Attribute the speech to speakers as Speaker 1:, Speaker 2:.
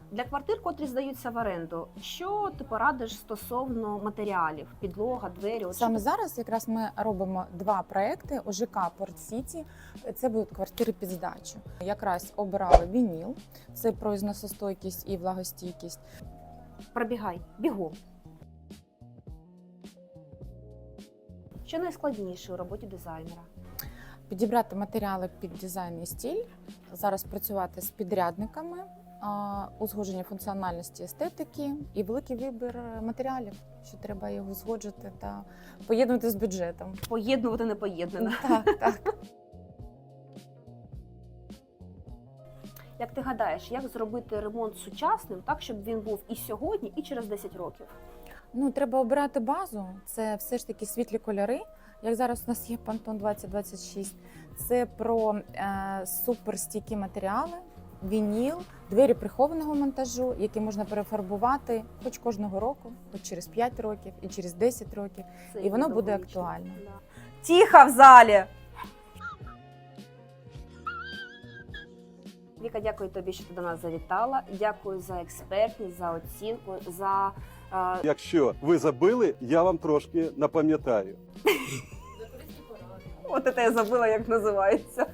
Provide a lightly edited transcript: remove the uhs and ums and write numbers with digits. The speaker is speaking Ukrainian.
Speaker 1: Для квартир, котрі здаються в оренду, що ти порадиш стосовно матеріалів? Підлога, двері? От
Speaker 2: Саме
Speaker 1: що
Speaker 2: зараз якраз ми робимо два проекти ОЖК Порт-Сіті. Це будуть квартири під здачу. Якраз обирали вініл, це про зносостойкість і влагостійкість.
Speaker 1: Пробігай, бігом. Що найскладніше у роботі дизайнера?
Speaker 2: Підібрати матеріали під дизайн і стиль, зараз працювати з підрядниками, узгодження функціональності, естетики і великий вибір матеріалів, що треба його узгоджувати та поєднувати з бюджетом.
Speaker 1: Поєднувати непоєднане.
Speaker 2: Так, так.
Speaker 1: Як ти гадаєш, як зробити ремонт сучасним, так, щоб він був і сьогодні, і через 10 років?
Speaker 2: Ну, треба обирати базу. Це все ж таки світлі кольори. Як зараз у нас є Pantone 2026. Це про суперстійкі матеріали, вініл, двері прихованого монтажу, які можна перефарбувати хоч кожного року, хоч через 5 років і через 10 років.
Speaker 1: Це
Speaker 2: І воно буде
Speaker 1: довговічно.
Speaker 2: актуально.
Speaker 1: Да. Тихо в залі! Віка, дякую тобі, що ти до нас завітала. Дякую за експертність, за оцінку, за...
Speaker 3: Якщо ви забили, я вам трошки напам'ятаю.
Speaker 1: От це я забула, як називається.